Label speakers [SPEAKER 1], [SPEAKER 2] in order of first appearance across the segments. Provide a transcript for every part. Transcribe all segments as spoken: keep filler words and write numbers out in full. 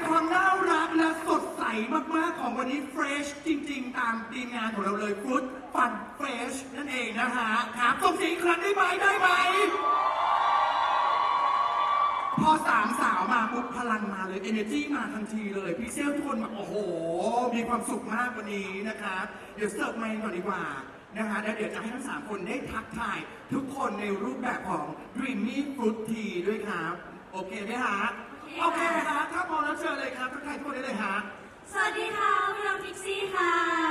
[SPEAKER 1] ความน่ารักและสดใสมากๆของวันนี้เฟรชจริงๆตามทีมงานของเราเลยฟรุตฟันเฟรชนั่นเองนะฮะครับส่งเสียงอีกครั้งได้ไหมได้ไหมพอสามสาวมาปุ๊บพลังมาเลย energy มาทันทีเลยพิกเซลทุกคนแบบโอ้โหมีความสุขมากวันนี้นะครับเดี๋ยวเสิร์ฟไมค์ก่อนดีกว่านะฮะแล้วเดี๋ยวจะให้ทั้งสามคนได้ทักทายทุกคนในรูปแบบของ Dreamy Fruit Tea ด้วยครับโอเคไหมฮะโอเคฮะถ้าพร้อมแล้วเชิญเลยครับทักทายทุกคนได้เลยฮะ
[SPEAKER 2] สวัสดีค่ะพวกเราพิกซี่ค่ะ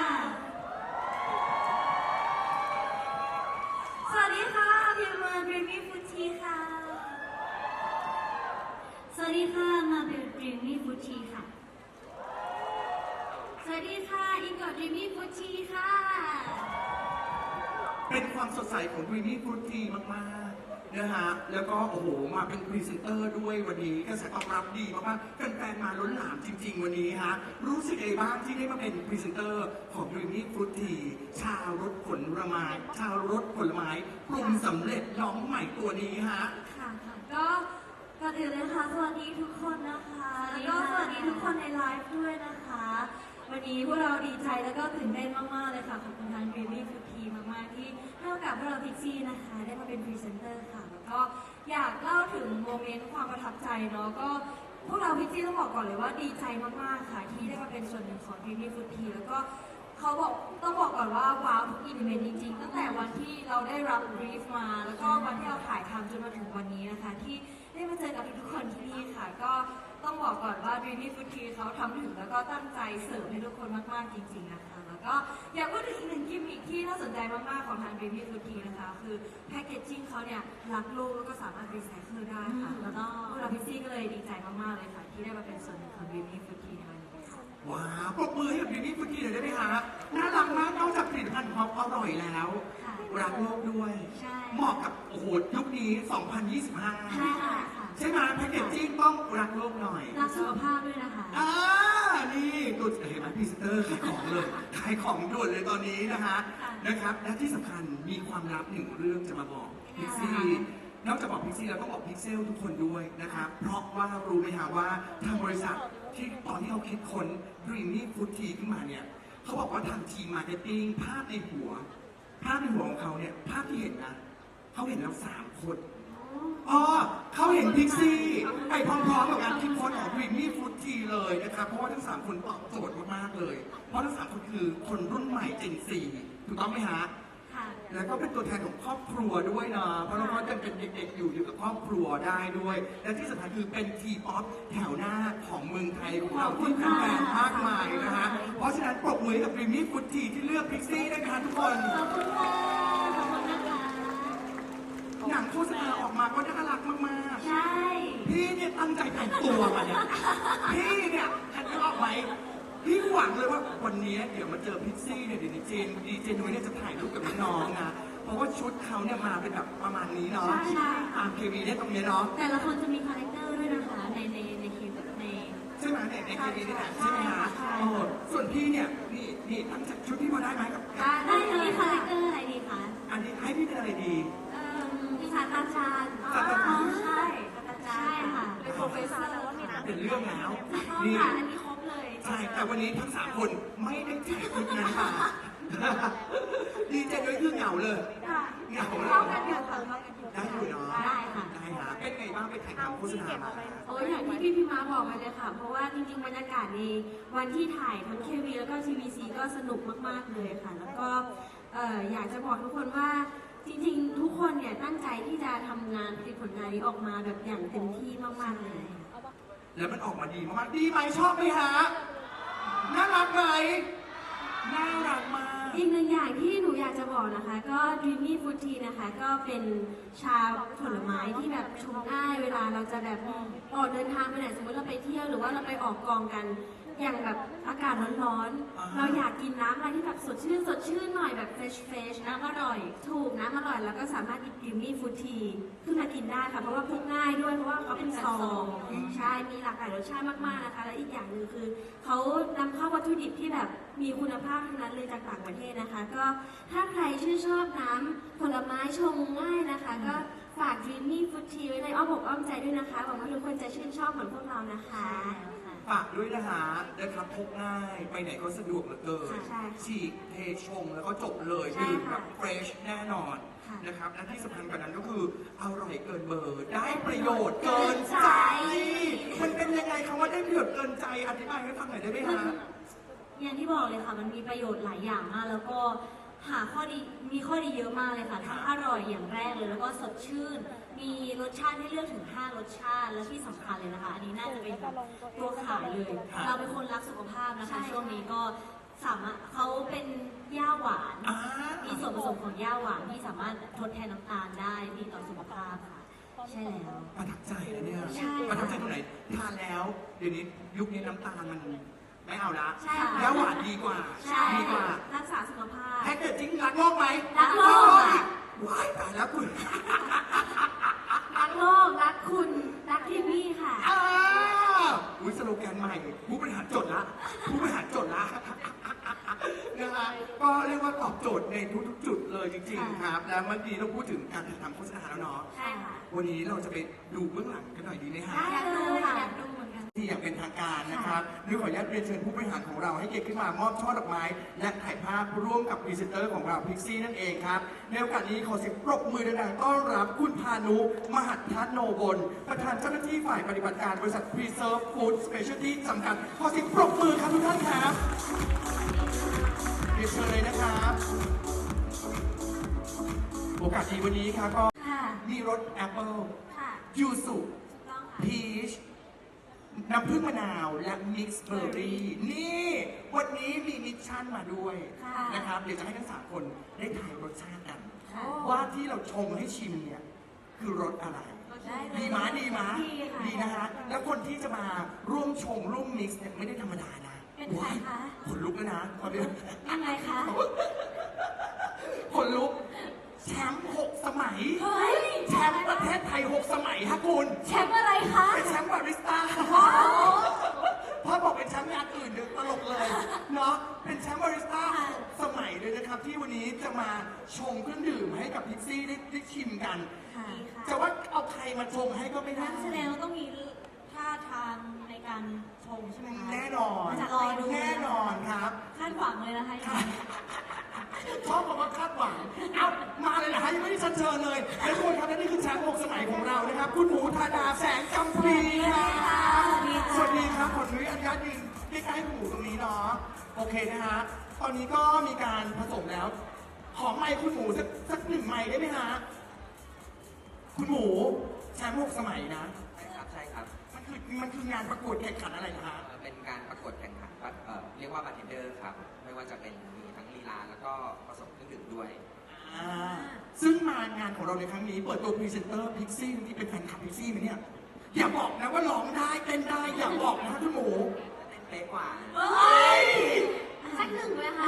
[SPEAKER 2] สวัสดีค่ะพิมมา Dreamy Fruit Tea ค่ะสวัสดีค่ะมาเป็น Dreamy Fruit Tea ค่ะสวัสดีค่ะอิงกอ Dreamy Fruit Tea ค่ะ
[SPEAKER 1] เป็นความสดใสของ Dreamy Fruit Tea มากๆนะฮะแล้วก็โอ้โหมาเป็นพรีเซนเตอร์ด้วยวันนี้กระแสตอบรับดีมากๆแฟนๆมาล้นหลามจริงๆวันนี้ฮะรู้สึกยังไงบ้างที่ได้มาเป็นพรีเซนเตอร์ของ Dreamy Fruit Tea ชารสผลไม้ชารสผลไม้ปรุงสำเร็จน้องใหม่ตัวนี้ฮะ
[SPEAKER 2] ค่ะก็ก่อนอื่นเลยค่ะสวัสดีทุกคนนะคะแล้วก็สวัสดีทุกคนในไลฟ์ด้วยนะคะวันนี้พวกเราดีใจแล้วก็ตื่นเต้นมากๆเลยค่ะขอบคุณทาง Dreamy Fruit Tea มากๆที่ให้โอกาสพวกเราพิกซี่นะคะได้มาเป็นพรีเซนเตอร์ค่ะแล้วก็อยากเล่าถึงโมเมนต์ความประทับใจเนาะก็พวกเราพิกซี่ต้องบอกก่อนเลยว่าดีใจมากๆค่ะที่ได้มาเป็นส่วนหนึ่งของ Dreamy Fruit Tea แล้วก็เขาบอกต้องบอกก่อนว่าว้าวทุกอีเวนต์จริงๆตั้งแต่วันที่เราได้รับบรีฟมาแล้วก็วันที่เราถ่ายทำจนมาถึงวันนี้นะคะที่ได้มาเจอกับทุกๆคนที่นี่ค่ะก็ต้องบอกก่อนว่า Dreamy Fruit Tea เขาทำถึงแล้วก็ตั้งใจเสิร์ฟให้ทุกคนมากๆจริงๆนะคะแล้วก็อยากพูดถึงอีกหนึ่งกิมมิคที่น่าสนใจมากๆของทาง Dreamy Fruit Tea นะคะคือแพคเกจจิ้งเขาเนี่ยรักโลกแล้วก็สามารถรีไซเคิลได้ค่ะแล้วก็พวกเราพิซซี่ก็เลยดีใจมากๆเลยค่ะที่ได้มาเป็นส่วนหนึ่งของ Dreamy Fruit Tea ในวันนี้ค่ะ
[SPEAKER 1] ว้าวปรบมือให้กับ Dreamy Fruit Tea หน่อยได้ไหมฮะน่ารักมากนอกจากผลิตภัณฑ์ความอร่อยแล้วรักโลกด้วยเหมาะกับโอ้โหยุคนี้สองพันยี่สิบห้า
[SPEAKER 2] ใช่ค่ะ
[SPEAKER 1] ใช่ไหมแพคเกจจิ้งต้องรักโลกหน่อย
[SPEAKER 2] รักสุขภาพด้วยนะคะ
[SPEAKER 1] อ่านี่ตัวเห็นไหมพรีเซนเตอร์ขายของเลยขายของด่วนเลยตอนนี้นะคะนะครับและที่สำคัญมีความลับหนึ่งเรื่องจะมาบอกพิกซี่นอกจากบอกพิกซี่แล้วต้องบอกพิกเซลทุกคนด้วยนะครับเพราะว่ารู้ไหมฮะว่าทางบริษัทที่ตอนที่เขาคิดค้น Dreamy Fruit Tea ขึ้นมาเนี่ยเขาบอกว่าทางทีมมาร์เก็ตติ้งภาพในหัวภาพในหัวของเขาเนี่ยภาพที่เห็นนะเขาเห็นแล้วสามคนอ๋อเขาเห็นพิกซี่ไปพร้อมๆกับการคิดค้นของ Dreamy Fruit Tea เลยนะครับเพราะว่าทั้งสามคนตอบโจทย์มากๆเลยเพราะทั้งสามคนคือคนรุ่นใหม่เจนซีถูกต้องไหมฮะแล้วก็เป็นตัวแทนของครอบครัวด้วยนะเพราะน้องๆยังเป็นเด็กๆอยู่อยู่กับครอบครัวได้ด้วย และที่สำคัญคือเป็นทีป๊อปแถวหน้าของเมืองไทยของเราที่เป็นแฟนมากมายนะฮะเพราะฉะนั้นปรบมือกับ Dreamy Fruit Tea ที่เลือกพิกซี่นะคะทุกคน
[SPEAKER 2] ขอบคุณค่ะขอบคุณนะคะ
[SPEAKER 1] หนังโฆษณาออกมาก็น่ารักมาก
[SPEAKER 2] ๆใช่
[SPEAKER 1] พี่เนี่ยตั้งใจแต่งตัวมาเนี่ยพี่เนี่ยทันจะออกไหมพี่หวังเลยว่าวันนี้เดี๋ยวมาเจอพิกซี่เนี่ยเดี๋ยวดีเจนดีเจนุ้ยเนี่ยจะถ่ายรูปกับน้องๆนะเพราะว่าชุดเขาเนี่ยมาเป็นแบบประมาณนี้เนาะ
[SPEAKER 2] ใช่
[SPEAKER 1] ตามเควีเนี่ยตรงนี้เนาะ
[SPEAKER 2] แต่ละคนจะมีคาแรคเตอร์ด้วยนะคะในในในคลิปใน
[SPEAKER 1] ใช่ไหมในในเควีนี่แหละใช่ไหมฮะโอ้ส่วนพี่เนี่ยนี่นี่ตั้งจากชุดพี่มาได้ไหมกับ
[SPEAKER 2] ได้เลยคาแรคเตอร์อะไรดีคะ
[SPEAKER 1] อันนี้ให้พี่เป็นอะไรดี
[SPEAKER 2] เอ่อพี่ศาสตราจารย์
[SPEAKER 1] ศาสตราจารย์
[SPEAKER 2] ใช่ศาสตราจารย์ใช่ค่ะเป็นโปรเฟสเซอร์แล้วมี
[SPEAKER 1] เป็นเรื่องแล้ว
[SPEAKER 2] นี่ค่ะอันนี้ครบเลย
[SPEAKER 1] ใช่แต่วันนี้ทั้งสามคนไม่ได้แจกชุดนั้นมาดีเจนุ้ยคือเหงาเลยเหงาเลย
[SPEAKER 2] เข้ากันอยู่ค่ะ
[SPEAKER 1] ได้อยู่เนาะ
[SPEAKER 2] ได้ค่ะ
[SPEAKER 1] ได้ฮะเป็นไงบ้างไปถ่ายทำโฆษณามา
[SPEAKER 2] โอ้ยอย่างที่พี่พี่ม้าบอกไปเลยค่ะเพราะว่าจริงๆบรรยากาศในวันที่ถ่ายทั้งเควีแล้วก็ทีวีซีก็สนุกมากๆเลยค่ะแล้วก็อยากจะบอกทุกคนว่าจริงๆทุกคนเนี่ยตั้งใจที่จะทำงานผลิตผลงานนี้ออกมาแบบอย่างเต็มที่มากๆเลย
[SPEAKER 1] แล้วมันออกมาดีมากๆดีไหมชอบไหมฮะน่ารักไหมน่ารักมาก
[SPEAKER 2] อีกหนึ่งอย่างที่หนูอยากจะบอกนะคะก็ Dreamy Fruit Tea นะคะก็เป็นชาผลไม้ที่แบบชงง่ายเวลาเราจะแบบออกเดินทางไปไหนสมมติเราไปเที่ยวหรือว่าเราไปออกกองกันอย่างแบบอากาศร้อนๆเราอยากกินน้ำอะไรที่แบบสดชื่นสดชื่นหน่อยแบบเฟรชเฟรชน้ำอร่อยถูกน้ำอร่อยแล้วก็สามารถหยิบ Dreamy Fruit Tea ขึ้นมากินได้ค่ะเพราะว่าพกง่ายด้วยเพราะว่าเขาเป็นซองใช่มีหลากหลายรสชาติมากๆนะคะและอีกอย่างหนึ่งคือเขานำเข้าวัตถุดิบที่แบบมีคุณภาพทั้งนั้นเลยจากต่างประเทศนะคะก็ถ้าใครชื่นชอบน้ำผลไม้ชงง่ายนะคะก็ฝาก Dreamy Fruit Tea ไว้ในอ้อมอกอ้อมใจด้วยนะคะหวังว่าทุกคนจะชื่นชอบเหมือนพวกเรานะคะ
[SPEAKER 1] ฝากด้วยนะฮะนะครับพกง่ายไปไหนก็สะดวกเหลือเกิน
[SPEAKER 2] ใช่
[SPEAKER 1] ฉีกเทชงแล้วก็จบเลย
[SPEAKER 2] ใช่
[SPEAKER 1] ดื่ม
[SPEAKER 2] ค่ะ
[SPEAKER 1] แบบเฟรชแน่นอน
[SPEAKER 2] ค่ะ
[SPEAKER 1] นะครับและที่สำคัญกว่านั้นก็คืออร่อยเกินเบอร์ได้ประโยชน์เกินใจ มันเป็นยังไงคำว่าได้ประโยชน์เกินใจอธิบายให้ฟังหน่อยได้ไหมฮะ
[SPEAKER 2] อย่างที่บอกเลยค่ะ มันมีประโยชน์หลายอย่างมาก แล้วก็หาข้อดี มีข้อดีเยอะมากเลยค่ะ ทั้งอร่อยอย่างแรกเลย แล้วก็สดชื่น มีรสชาติให้เลือกถึง ห้ารสชาติ และที่สำคัญเลยนะคะ อันนี้น่าจะเป็นแบบตัวขายเลย
[SPEAKER 1] ค่ะ
[SPEAKER 2] เราเป็นคนรักสุขภาพนะคะ ช่วงนี้ก็สามารถเขาเป็นย่าหวาน
[SPEAKER 1] อ่า
[SPEAKER 2] มีส่วนผสมของย่าหวานที่สามารถทดแทนน้ำตาลได้ดีต่อสุขภาพค่ะ ใช่แล้ว
[SPEAKER 1] ประทับใจนะเนี่ย
[SPEAKER 2] ใช่
[SPEAKER 1] ประทับใจตรงไหนทานแล้ว เดี๋ยวนี้ยุคนี้น้ำตาลมันไม่เอาละ
[SPEAKER 2] ใช่ค่ะ
[SPEAKER 1] แล้วหวานดีกว่า
[SPEAKER 2] ใช่
[SPEAKER 1] ดีกว่า
[SPEAKER 2] รักษาสุขภาพ
[SPEAKER 1] แพ็กเกจจิ้งรักโลกไหม
[SPEAKER 2] รักโลกค่ะ
[SPEAKER 1] ว้ายตายแล้วคุณ
[SPEAKER 2] รักโลก รักคุณ รักทีวี่ค่ะ
[SPEAKER 1] อ้าอุ้ยสโลแกนใหม่ ผู้บริหารจดละ ผู้บริหารจดละ นะฮะก็เรียกว่าตอบโจทย์ในทุกๆจุดเลยจริงๆครับ แล้วเมื่อกี้เราพูดถึงการถ่ายทำโฆษณาแล้วเนาะ
[SPEAKER 2] ใช่ค่ะ
[SPEAKER 1] วันนี้เราจะไปดูเบื้องหลังกันหน่อยดีไหมฮะ
[SPEAKER 2] อยากดูค่ะอยากดูเหมือนกัน
[SPEAKER 1] ที่อย่างเป็นทางการนะครับด้วยขออนุญาตเรียนเชิญผู้บริหารของเราให้เกียรติขึ้นมามอบช่อดอกไม้ และถ่ายภาพร่วมกับพรีเซนเตอร์ของเราพิกซี่นั่นเองครับในโอกาสนี้ขอเสียงปรบมือดังๆต้อนรับคุณพานุ มหัททัศโนบลประธานเจ้าหน้าที่ฝ่ายปฏิบัติการบริษัท Preserve Food Specialty จำกัดขอเสียงปรบมือครับทุกท่านครับเรียนเชิญเลยนะครับ โอกาสดีวันนี้ครับก็
[SPEAKER 2] ค่ะ
[SPEAKER 1] มีรสแอปเปิล
[SPEAKER 2] ค่ะ
[SPEAKER 1] ยูสุ
[SPEAKER 2] ถูกต้องค่ะ
[SPEAKER 1] พีชน้ำผึ้งมะนาวและมิกซ์เบอร์รี่นี่ วันนี้มีมิชชั่นมาด้วย
[SPEAKER 2] ค่ะ
[SPEAKER 1] นะครับ เดี๋ยวจะให้ทั้งสามคนได้ทายรสชาติกัน
[SPEAKER 2] ค่ะ
[SPEAKER 1] ว่าที่เราชงให้ชิมเนี่ย คือรสอะไร
[SPEAKER 2] ได้เลย
[SPEAKER 1] ดีม้าดีม้า
[SPEAKER 2] ดีค่ะ
[SPEAKER 1] ดีนะฮะ แล้วคนที่จะมาร่วมชงร่วมมิกซ์เนี่ยไม่ได้ธรรมดานะ
[SPEAKER 2] เป็นใครคะ
[SPEAKER 1] ขนลุกแล้วนะตอนนี้
[SPEAKER 2] ยังไงคะ
[SPEAKER 1] คนลุกแชมป์หกสมัย
[SPEAKER 2] เฮ้ย
[SPEAKER 1] แชมป์ประเทศไทยหกสมัยฮะคุณ
[SPEAKER 2] แชมป์อะไรคะ
[SPEAKER 1] เป็นแชมป์บาริสต้า
[SPEAKER 2] ว้าว
[SPEAKER 1] พ่อบอกเป็นแชมป์งานอื่นเดี๋ยวตลกเลย เนาะ เป็นแชมป์บาริสต้า
[SPEAKER 2] ค่ะ
[SPEAKER 1] สมัยเลยนะครับ ที่วันนี้จะมาชงเครื่องดื่มให้กับพิกซี่ได้ได้ชิมกัน
[SPEAKER 2] ค่ะ
[SPEAKER 1] จะว่าเอาใครมาชงให้ก็ไม่ได้
[SPEAKER 2] นั่นแสดงว่าต้องมีท่าทางในการชงใช่ไหมคะ
[SPEAKER 1] แน่นอน
[SPEAKER 2] จะรอดู
[SPEAKER 1] แน่นอนครับ
[SPEAKER 2] คาดหวังเลยนะคะ
[SPEAKER 1] ชอบบอกว่าคาดหวัง เอามาเลยนะฮะยังไม่ได้เชัญเชิญเลยและทุกคนครับและนี่คือแชมป์หกสมัยของเรานะครับ คุณหมูธาดาแสงกำพีครับสวัสดีครับขออนุญาตยืนใกล้ๆคุณหมูตรงนี้เนาะ โอเคนะฮะ ตอนนี้ก็มีการผสมแล้ว ขอไมค์คุณหมูสักสักหนึ่งไมค์ได้ไหมฮะ คุณหมูแชมป์หกสมัยนะ
[SPEAKER 3] ใช่ครับใช่ครับ
[SPEAKER 1] มันคือมันคืองานประกวดแข่งขันอะไรนะฮะ
[SPEAKER 3] เอ่อเป็นการประกวดแข่งขันแบบเอ่อเรียกว่าบาร์เทนเดอร์ครับ ไม่ว่าจะเป็นมีทั้งลีลาแล้วก็ผสมเครื่องดื่มด้วย
[SPEAKER 1] อ่าซึ่งมางานของเราในครั้งนี้เปิดตัวพรีเซนเตอร์พิกซี่ที่เป็นแฟนคลับพิกซี่ไหมเนี่ย อย่าบอกนะว่าร้องได้เต้นได้ อย่าบอกนะคุณหมู
[SPEAKER 3] เต้นเป๊ะกว่า
[SPEAKER 1] เฮ้ย
[SPEAKER 2] สักหนึ่งไหมคะ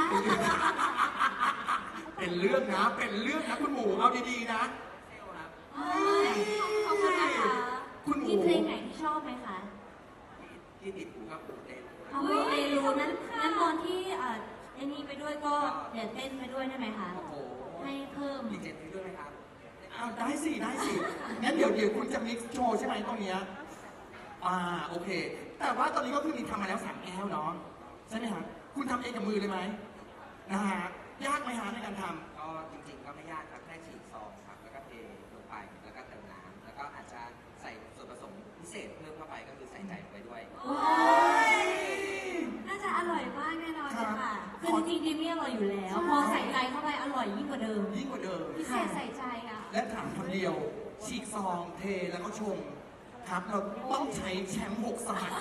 [SPEAKER 1] เป็นเรื่องนะ เป็นเรื่องนะคุณหมู เอาดีๆนะ
[SPEAKER 3] เซลครับ
[SPEAKER 2] เฮ้ยขอบคุณนะคะ
[SPEAKER 1] คุณหมู
[SPEAKER 2] มีเพลงไหนที่ชอบไหมคะ
[SPEAKER 3] ที่ติดหูกับหูเต้น
[SPEAKER 2] เอาไปรู้นั้นนั้นตอนที่อ่าไอ้นี่ไปด้วยก็เดี๋ยวเต้นไปด้วยได้ไหมคะ
[SPEAKER 3] โอ้โห
[SPEAKER 2] ให้เพิ่ม
[SPEAKER 3] ดีเจนด้วยไหมครับ
[SPEAKER 1] เอาได้สิ ได้สิ งั้นเดี๋ยวเดี๋ยวคุณจะมิกซ์โชว์ใช่ไหมตรงเนี้ยอ่า โอเค แต่ว่าตอนนี้ก็คือมีทำมาแล้วสามแก้วเนาะ ใช่ไหมฮะ คุณทำเองกับมือเลยไหมนะฮะ ยากไหมฮะในการทำ
[SPEAKER 3] ก็จริงๆก็ไม่ยากครับแค่ฉีกซองครับ แล้วก็เทลงไป แล้วก็เติมน้ำแล้วก็อาจจะใส่ส่วนผสมพิเศษเพิ่มเข้าไปก็คือใส่ใจลงไปด้วย
[SPEAKER 2] โอ้ยน่าจะอร่อยมากแน่นอนเลยค่ะ คือจริงๆดิมมี่อร่อยอยู่แล้ว พอใส่ใจเข้าไปอร่อยยิ่งกว่าเดิม
[SPEAKER 1] ยิ่งกว่าเดิม
[SPEAKER 2] พิเศษใส่ใจอ่ะ
[SPEAKER 1] และถามคำเดียว ฉีกซองเทแล้วก็ชง ครับ เราต้องใช้แชมป์หกสมัย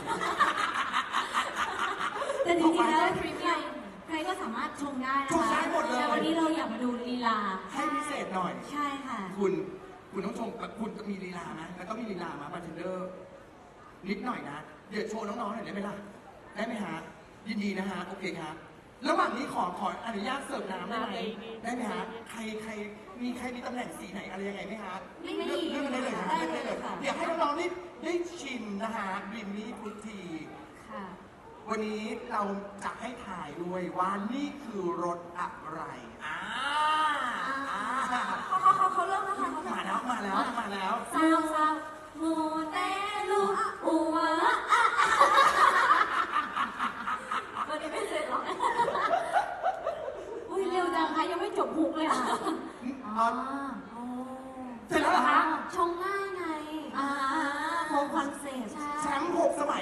[SPEAKER 2] แต่จริงๆแล้วพรีเมียมใครก็สามารถชงได้นะคะ
[SPEAKER 1] ชงได้หมดเลย
[SPEAKER 2] แต่วันนี้เราอยากมาดูลีลา
[SPEAKER 1] ให้พิเศษหน่อย
[SPEAKER 2] ใช่ค่ะ
[SPEAKER 1] คุณ คุณต้องชมคุณจะมีลีลาไหมแล้วต้องมีลีลามาบาร์เทนเดอร์ นิดหน่อยนะ เดี๋ยวโชว์น้องๆหน่อยได้ไหมล่ะ ได้ไหมฮะ ยินดีนะฮะ โอเคครับ ระหว่างนี้ขอขออนุญาตเสิร์ฟน้ำได้ไหมได้ไหมฮะ ใครใครมีใครมีตำแหน่งสีไหนอะไรยังไงไหมฮะ
[SPEAKER 2] ไม่มี
[SPEAKER 1] เลือกเลือกได้เลยฮะ
[SPEAKER 2] ได้
[SPEAKER 1] เลือกได้เลย
[SPEAKER 2] เลยค่ะ
[SPEAKER 1] เดี๋ยวให้น้องๆนี่ได้ชิมนะฮะบิมมี่พุทธี
[SPEAKER 2] ค่ะ
[SPEAKER 1] วันนี้เราจะให้ถ่ายด้วยว่านี่คือรสอะไร อ่าอ่า
[SPEAKER 2] เขาเขาเขาเขาเริ่มแล้วค่ะเขา
[SPEAKER 1] มาแล้ว มาแล้ว มาแล้ว
[SPEAKER 2] ซาวซาวโมเตลูอะอัวอะอะ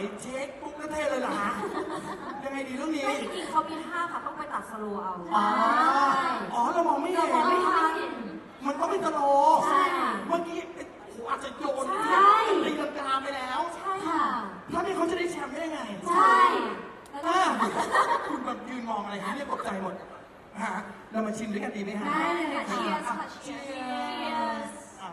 [SPEAKER 1] เช็คปุ๊บแล้วเทเลยเหรอฮะยังไงดีเรื่องนี้
[SPEAKER 2] ไม่จริงๆเขามีท่าค่ะต้องไปตัดสโลว์เอา
[SPEAKER 1] อ๋ออ๋อเรามองไม่เห็น
[SPEAKER 2] เรามองไม่ทัน
[SPEAKER 1] มันต้องเป็นสโล
[SPEAKER 2] ใช่
[SPEAKER 1] เมื่อกี้โอ้โหอาจจะโยน
[SPEAKER 2] ใช่
[SPEAKER 1] ตีลังกาไปแล้ว
[SPEAKER 2] ใช่ค่ะ
[SPEAKER 1] ถ้าไม่เขาจะได้แชมป์ได้ยังไง
[SPEAKER 2] ใช่แล้วก็
[SPEAKER 1] อ่าคุณแบบยืนมองอะไรฮะเนี่ยตกใจหมดฮะเรามาชิมด้วยกันดีไหมฮะ
[SPEAKER 2] ได้เลยค่ะ
[SPEAKER 1] อ่
[SPEAKER 2] Cheers ค่ะ
[SPEAKER 1] Cheers อ่า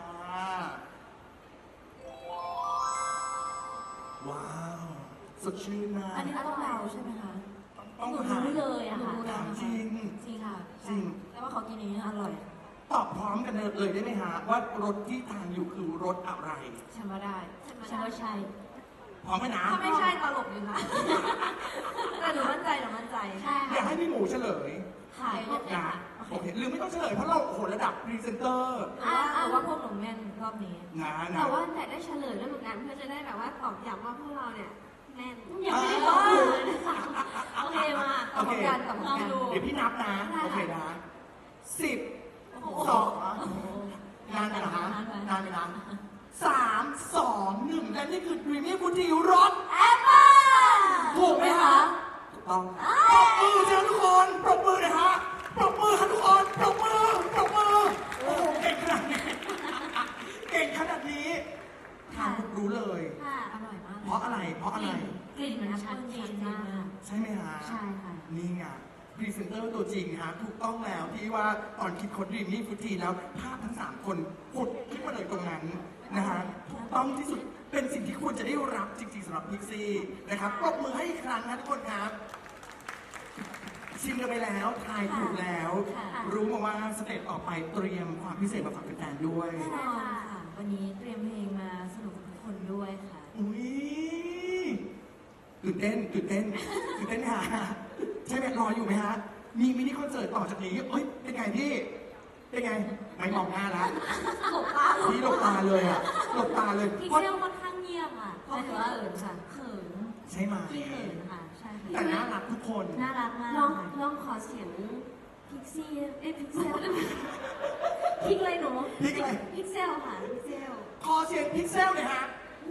[SPEAKER 1] ว้าวสดชื่นมาก
[SPEAKER 2] อันนี้เราต้องเดาใช่ไหมคะ
[SPEAKER 1] ต้อง
[SPEAKER 2] หนู
[SPEAKER 1] หา
[SPEAKER 2] รู้เลยอะค่ะ
[SPEAKER 1] ถามจริง
[SPEAKER 2] จริงค่ะ
[SPEAKER 1] จริง
[SPEAKER 2] แต่ว่าเขากินอย่างนี้อร่อย
[SPEAKER 1] ตอบพร้อมกันเลยได้ไหมฮะว่ารถที่ทานอยู่คือรถอะไร
[SPEAKER 2] ฉันว่าได้ฉันว่าใช่
[SPEAKER 1] พร้อมไหมนะ
[SPEAKER 2] ถ้าไม่ใช่ตลกอยู่ค่ะ แต่หนูมั่นใจหนูมั่นใจ ใช่
[SPEAKER 1] อยากให้พี่หมูเฉลย
[SPEAKER 2] ขายพวก
[SPEAKER 1] นะโอเคหรือไม่ต้องเฉลยเพราะเราโอ้โหระดับพรีเซนเตอร์
[SPEAKER 2] อ่าแต่ว่าพวกหนูแม่นรอบนี้
[SPEAKER 1] นะนะ
[SPEAKER 4] แต่ว่าแต่ได้เฉลยด้วยเหมือนกันเพื่อจะได้แบบว่าตอกย้ำว่าพวกเราเนี่ยแม่น
[SPEAKER 2] ยังไม่ได้ตอบเลยนะคะโอเคมาตอบพร้อมกันตอบพร้อมกัน
[SPEAKER 1] เดี๋ยวพี่นับนะ โอเคนะสิบ
[SPEAKER 2] โอ้โห
[SPEAKER 1] สองนานไปนะฮะนานไปนะสามสองหนึ่งและนี่คือ Dreamy Fruity รส
[SPEAKER 2] แอปเปิ้ล
[SPEAKER 1] ถูกไหมคะถูกต้องปรบมือเจ้าทุกคนปรบมือหนะฮะปรบมือค่ะทุกคนปรบมือปรบมือโอ้โหเก่งขนาดนี้เก่งขนาดนี้ทานปุ๊บรู้เลย
[SPEAKER 4] ค่ะ
[SPEAKER 2] อร่อยมาก
[SPEAKER 1] เพราะอะไรเพราะอะไร
[SPEAKER 2] กลิ่นมันชัดเจนมาก
[SPEAKER 1] ใช่ไหมฮะ
[SPEAKER 2] ใช่ค่ะ
[SPEAKER 1] นี่ไงพรีเซนเตอร์ตัวจริงฮะถูกต้องแล้วที่ว่าตอนคิดค้นดรีมนี่ฟุตทีแล้วภาพทั้งสามคนผุดขึ้นมาเลยตรงนั้นนะฮะถูกต้องที่สุดเป็นสิ่งที่ควรจะได้รับจริงๆสำหรับพิกซี่นะครับปรบมือให้อีกครั้งนะทุกคนครับ ชิมกันไปแล้วทายถูกแล้ว
[SPEAKER 2] ค่ะ
[SPEAKER 1] รู้มาว่าสเต็ปออกไปเตรียมความพิเศษมาฝากแฟนๆด้วย
[SPEAKER 2] แน่นอนค่ะ วันนี้เตรียมเพลงมาสนุกกับทุกคนด้วยค่ะ
[SPEAKER 1] อุ้ยตื่นเต้นตื่นเต้นตื่นเต้นค่ะใช่ไหมรออยู่ไหมฮะมีมินิคอนเสิร์ตต่อจากนี้เอ้ยเป็นไงพี่เป็นไงไม่มองหน้าแล้ว
[SPEAKER 2] หลบตา
[SPEAKER 1] พี่หลบตาเลยอ่ะหลบตาเลย
[SPEAKER 2] พี่
[SPEAKER 1] เพราะ
[SPEAKER 2] เที่ยวค่อนข้างเงียบอ่ะเพราะว่าเขินค่ะเขิน
[SPEAKER 1] ใช่ไหม
[SPEAKER 2] พี่เขินค่ะ ใช่ค่ะ
[SPEAKER 1] แต่น่ารักทุกคน
[SPEAKER 2] น่ารักมาก
[SPEAKER 4] ลอง
[SPEAKER 2] ค่ะ
[SPEAKER 4] ลองขอเสียงพิกซี่เอ้ยพิกเซล
[SPEAKER 2] พริกเลยหนู
[SPEAKER 1] พริกอะไร
[SPEAKER 4] พิกเซลค่ะพิกเซล
[SPEAKER 1] ขอเสียงพิกเซลหน่อยฮะ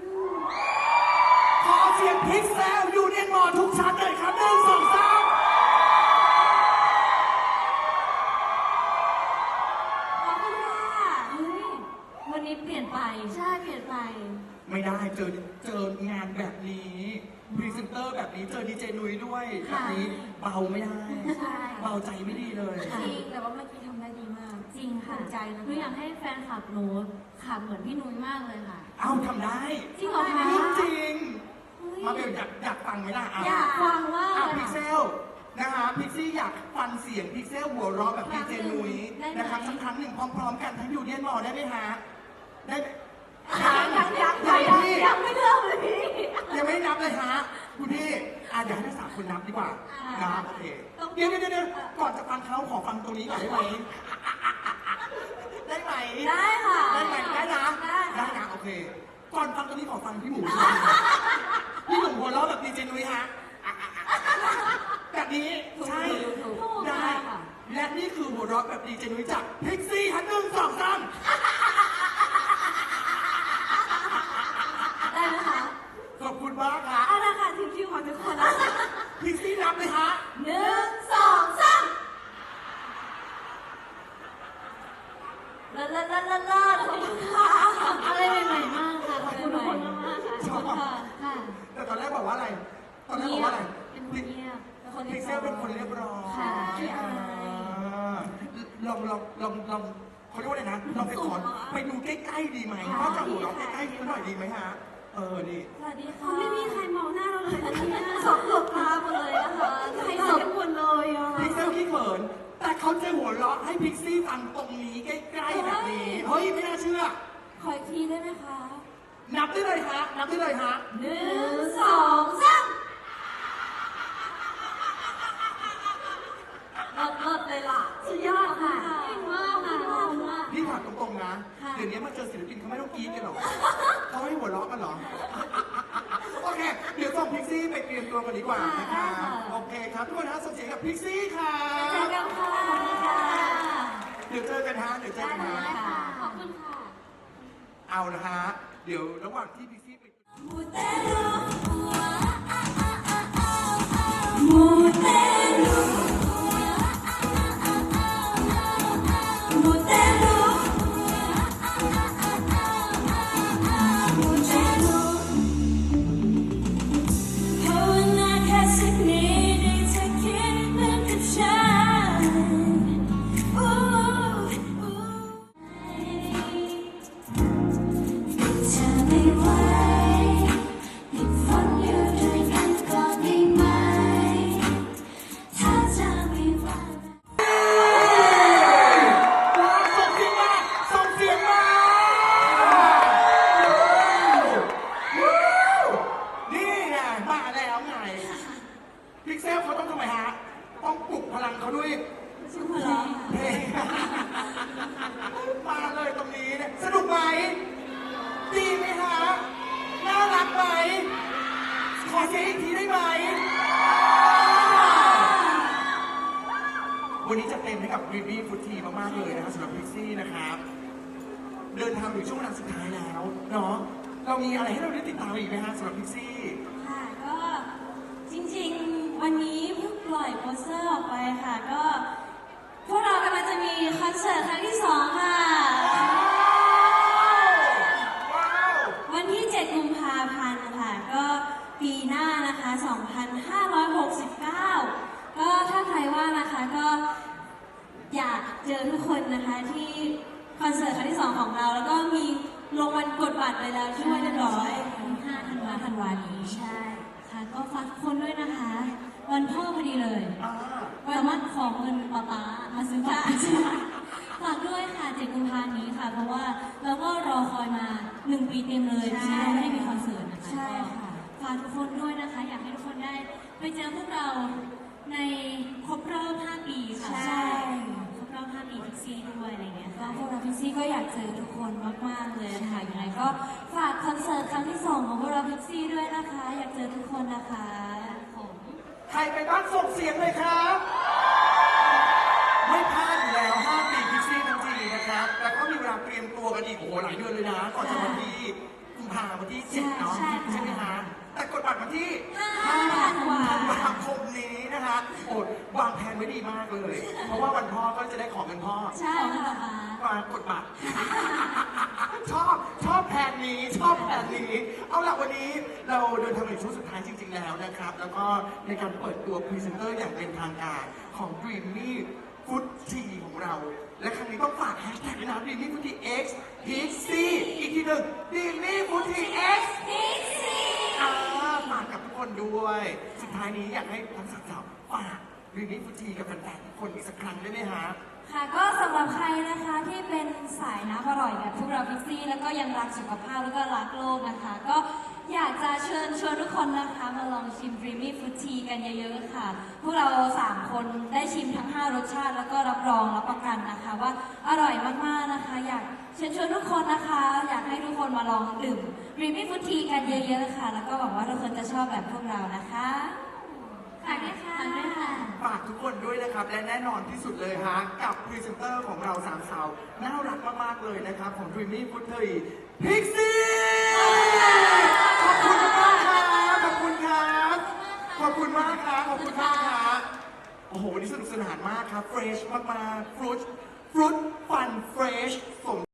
[SPEAKER 1] ขอเสียงพิกเซลอยู่ในหมอทุกชั้นเลยครับหนึ่งสองสาม
[SPEAKER 2] ขอบคุณค่ะเฮ้ยวันนี้เปลี่ยนไป
[SPEAKER 4] ใช่เปลี่ยนไป
[SPEAKER 1] ไม่ได้เจอเจองานแบบนี้พรีเซนเตอร์แบบนี้เจอดีเจนุ้ยด้วยแบบนี้เบาไม่ได้
[SPEAKER 4] ใช่
[SPEAKER 1] เบาใจไม่ดีเลย
[SPEAKER 2] จริงแต่ว่าเมื่อกี้ทำได้ดีมาก
[SPEAKER 4] จริงค่ะ
[SPEAKER 2] ภูมิใจนะ
[SPEAKER 4] หนูอยากให้แฟนคลับหนูขับเหมือนพี่นุ้ยมากเลยค่ะ
[SPEAKER 1] เอ้าทำได้
[SPEAKER 4] จริงเหรอคะ
[SPEAKER 1] เรื่องจริง มาเบลอยากอยากฟังไหมล่ะ
[SPEAKER 4] อยากฟังว่า
[SPEAKER 1] อ่ะพิกเซลนะคะพิกซี่อยากฟังเสียงพิกเซลหัวเราะแบบดีเจนุ้ยนะครับสักครั้งหนึ่งพร้อมๆกันทั้งอยู่เดียนหมอได้ไหมฮะได้ไหม
[SPEAKER 2] ยังยังยัง
[SPEAKER 1] ยั
[SPEAKER 2] ยัง
[SPEAKER 1] ง
[SPEAKER 2] ยัง
[SPEAKER 1] พี่
[SPEAKER 2] ยังไม่เริ่มเลยพี่
[SPEAKER 1] ยังไม่ได้นับเลยฮะคุณพี่อ่ะเดี๋ยวให้ทั้งสามคนนับดีกว่านะโอเคเดี๋ยวเดี๋ยวเดี๋ยวก่อนจะฟังเขาขอฟังตรงนี้ก่อนได้ไหมได้ไหม
[SPEAKER 2] ได้ค่ะ
[SPEAKER 1] ได้ไหมได้นะ
[SPEAKER 2] ได้
[SPEAKER 1] ได้นะโอเค ก่อนฟังตรงนี้ขอฟังพี่หมูพี่หมูหัวเราะแบบดีเจนุ้ยฮะแบบนี้ใช่
[SPEAKER 2] ถูกถูก
[SPEAKER 1] ได้
[SPEAKER 2] ค่ะ
[SPEAKER 1] และนี่คือหัวเราะแบบดีเจนุ้ยจากพิกซี่ฮันหนึ่งสองสาม
[SPEAKER 2] ได้ไหมคะ
[SPEAKER 1] ขอบคุณมากครับ
[SPEAKER 2] เอาละค่ะทีมคิวของทุกคนนะ
[SPEAKER 1] พิกซี่นับเลยฮะ
[SPEAKER 2] หนึ่งสองสามลาลาลาลาลาขอบคุณค่ะ
[SPEAKER 4] อะไรใหม่ๆมากค่ะขอบคุณทุกคนมากๆค่ะ
[SPEAKER 1] ชอบ
[SPEAKER 4] ค่ะค่ะ
[SPEAKER 1] แต่ตอนแรกบอกว่าอะไร ตอนแรกบอกว่าอะไร
[SPEAKER 4] เป็นคนเงียบ
[SPEAKER 2] เป็นคน
[SPEAKER 1] พิ
[SPEAKER 2] ที่
[SPEAKER 1] กเซลเป็นคนเรียบร้อย
[SPEAKER 4] ค่ะ
[SPEAKER 1] อ่าลองลองลองลองเขาเรียกว่าอะไรนะลองไปขอไปดูใกล้ๆดีไหมว่าจะหัวเราะใกล้ๆกันหน่อยดีไหมฮะ เออนี่
[SPEAKER 2] สวัสดีค่ะ
[SPEAKER 4] เขาไม่มีใครมองหน้าเราเลยนะเนี่ย
[SPEAKER 2] สองหลบตาหมดเลยนะคะ
[SPEAKER 4] ใครสดกันหมดเลยอ่ะ
[SPEAKER 1] พิกเซลขี้เขิน แต่เขาจะหัวเราะให้พิกซี่ฟังตรงนี้ใกล้ๆแบบนี้ เฮ้ยไม่น่าเชื่อ
[SPEAKER 2] ขออีกทีได้ไหมคะ
[SPEAKER 1] นับได้เลยฮะ นับได้เลยฮะ
[SPEAKER 2] หนึ่งสองสามเลิศเลิศเลยล่ะ
[SPEAKER 4] สุดยอดค่ะเก่งมากค่ะขอบคุณมาก
[SPEAKER 1] พี่ถามตรงๆนะ
[SPEAKER 2] ค่ะ
[SPEAKER 1] เดี๋ยวนี้มาเจอศิลปินเขาไม่ต้องกรี๊ดกันหรอกเขาให้หัวเราะกันเหรอ โอเค เดี๋ยวส่งพิกซี่ไปเตรียมตัวกันดีกว่านะคะ โอเคครับทุกคนนะส่งเสียงกับพิกซี่ค่ะ
[SPEAKER 2] เจอกันค่ะขอบคุณค่ะ
[SPEAKER 1] เดี๋ยวเจอกันฮะ เดี๋ยวเจอกันฮะ
[SPEAKER 2] ได้ค่ะ
[SPEAKER 4] ขอบคุณค่ะ
[SPEAKER 1] เอาละฮะ เดี๋ยวระหว่างที่พิกซี่ไป
[SPEAKER 2] Putero, มูเตลูมูเตลูมูเตลูภาวนาแค่สักนิดให้เธอคิดเหมือนกับฉันอู้อู้เธอไม่ไหวติดฝนอยู่ด้วยกันก่อนได้ไหมถ้าเธอไม่ไหว
[SPEAKER 1] ส่งเสียงมาส่งเสียงมานี่ไงมาแล้วไงพิกเซลเขาต้องทำไมฮะ ต้องปลุกพลังเขาด้วย
[SPEAKER 2] สุภลัง
[SPEAKER 1] เพลงมาเลยตรงนี้เนี่ยสนุกไหม ดีไหมฮะ น่ารักไหม ขอเสียงอีกทีได้ไหม วันนี้จะเต็มให้กับรีบีฟุตทีมากๆเลยนะครับสำหรับพิกซี่นะครับ เดินทางถึงช่วงเวลาสุดท้ายแล้วเนาะ เรามีอะไรให้เราได้ติดตามอีกไหมฮะสำหรับพิกซี่
[SPEAKER 2] ค่ะก็จริงๆ วันนี้เพิ่งปล่อยโปสเตอร์ออกไปค่ะ ก็พวกเรากำลังจะมีคอนเสิร์ตครั้งที่สองค่ะ
[SPEAKER 1] ว้าว
[SPEAKER 2] วันที่ เจ็ด กุมภาพันธ์ค่ะ ก็ปีหน้านะคะ สองพันห้าร้อยหกสิบเก้า ก็ถ้าใครว่านะคะก็อยากเจอทุกคนนะคะที่คอนเสิร์ตครั้งที่สองของเรา แล้วก็มีลงวันกดบัตรไปแล้วช่วยเรียบร้อยห้าธันวาธันวานี้ใช่ค่ะก็ฝากทุกคนด้วยนะคะ วันพ่อพอดีเลย
[SPEAKER 1] อ่า
[SPEAKER 2] สามารถขอเงินป๊าป๊ามาซื้อบัตรฝากด้วยค่ะเจ็ดกุมภาพันธ์นี้ค่ะ เพราะว่าเราก็รอคอยมาหนึ่งปีเต็มเลยที่เราไม่ได้มีคอนเสิร์ตนะคะ
[SPEAKER 4] ใช่ค่ะ
[SPEAKER 2] ฝากทุกคนด้วยนะคะ อยากให้ทุกคนได้ไปเจอพวกเราในครบรอบห้าปีค่ะ
[SPEAKER 4] ใช่
[SPEAKER 2] ครบรอบห้าปีพิกซี่ด้วยอะไรเงี้ยก็พวกเราพิกซี่ก็อยากเจอทุกคนมากๆเลยค่ะยังไงก็ฝากคอนเสิร์ตครั้งที่สองของพวกเราพิกซี่ด้วยนะคะ อยากเจอทุกคนนะคะผม
[SPEAKER 1] ใครไปบ้านส่งเสียงเลยครับ ไม่พลาดอยู่แล้วห้าปีพิกซี่ทั้งทีนะครับ แล้วก็มีเวลาเตรียมตัวกันอีกโอ้โหหลายเดือนเลยนะ ก่อนจะวันที่กุมภาพันธ์วันที่เจ็ดเนาะ
[SPEAKER 2] ใช่ใช่
[SPEAKER 1] ใช่ไหมฮะแต่กดบัตรวันที่
[SPEAKER 2] ห้าธันวา
[SPEAKER 1] ธันวาคมนี้นะฮะโอดวางแผนไว้ดีมากเลย เพราะว่าวันพ่อก็จะได้ของเงินพ่อ
[SPEAKER 2] ใช่ค่ะป๊า
[SPEAKER 1] มากดบัตร ชอบชอบแผนนี้ชอบแผนนี้ เอาล่ะวันนี้เราเดินทางมาถึงช่วงสุดท้ายจริง ๆ แล้วนะครับ แล้วก็ในการเปิดตัวพรีเซนเตอร์อย่างเป็นทางการของ Dreamy Food Tea ของเรา และครั้งนี้ต้องฝากแฮชแท็กด้วยนะ Dreamy Food Tea X Pixie อีกทีหนึ่ง Dreamy Food Tea X
[SPEAKER 2] พิกซี่
[SPEAKER 1] อ่าฝากกับทุกคนด้วย สุดท้ายนี้อยากให้ทั้งสามสาวฝาก Dreamy Food Tea กับแฟนๆทุกคนอีกสักครั้งได้ไหมฮะ
[SPEAKER 2] ค่ะก็สำหรับใครนะคะที่เป็นสายน้ำอร่อยแบบพวกเราพิกซี่แล้วก็ยังรักสุขภาพแล้วก็รักโลกนะคะ ก็อยากจะเชิญชวนทุกคนนะคะมาลองชิม Dreamy Food Tea กันเยอะๆค่ะ พวกเราสามคนได้ชิมทั้งห้ารสชาติแล้วก็รับรองรับประกันนะคะว่าอร่อยมากๆนะคะ อยากเชิญชวนทุกคนนะคะ อยากให้ทุกคนมาลองดื่ม Dreamy Food Tea กันเยอะๆค่ะ แล้วก็หวังว่าทุกคนจะชอบแบบพวกเรานะคะฝากด้วยค่ะฝากด้วยค่ะ
[SPEAKER 1] ฝากทุกคนด้วยนะครับ และแน่นอนที่สุดเลยฮะ กับพรีเซนเตอร์ของเราสามสาวน่ารักมาก ๆ เลยนะครับ ของ Dreamy Food Tea Pixie ขอบคุณมากครับขอบคุณครับ ขอบคุณมากครับขอบคุณมากครับโอ้โหวันนี้สนุกสนานมากครับ เฟรชมากๆฟรุตฟรุตฟันเฟรชสม